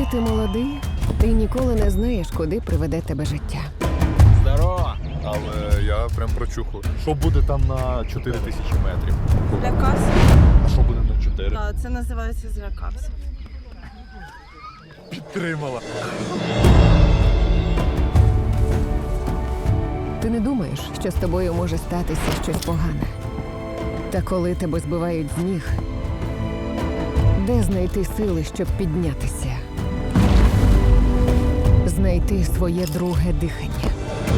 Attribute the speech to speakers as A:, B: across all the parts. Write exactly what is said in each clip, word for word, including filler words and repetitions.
A: Коли ти молодий, ти ніколи не знаєш, куди приведе тебе життя.
B: Здорово!
C: Але я прям прочухав. Що буде там на чотири тисячі метрів?
D: Злякався.
C: А що буде на чотири?
D: Так, це називається злякався.
C: Підтримала.
A: Ти не думаєш, що з тобою може статися щось погане. Та коли тебе збивають з ніг, де знайти сили, щоб піднятися? Знайти своє друге дихання.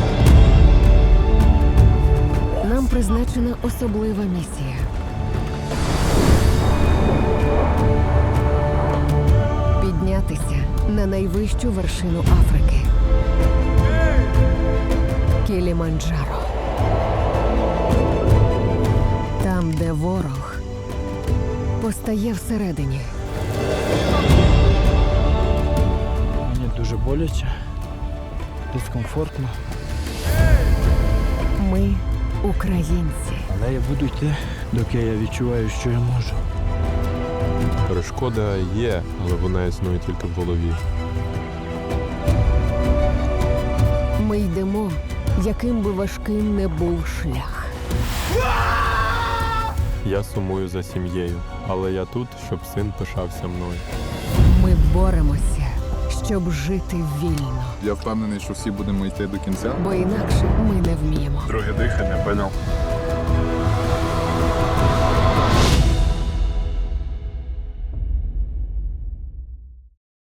A: Нам призначена особлива місія. Піднятися на найвищу вершину Африки. Кіліманджаро. Там, де ворог постає всередині.
B: Мені дуже боляче, дискомфортно.
A: Ми українці.
B: Але я буду йти, доки я відчуваю, що я можу.
E: Перешкода є, але вона існує тільки в голові.
A: Ми йдемо, яким би важким не був шлях.
E: Я сумую за сім'єю, але я тут, щоб син пишався мною.
A: Ми боремося, щоб жити вільно.
C: Я впевнений, що всі будемо йти до кінця.
A: Бо інакше ми не вміємо.
C: Друге дихання, поняв.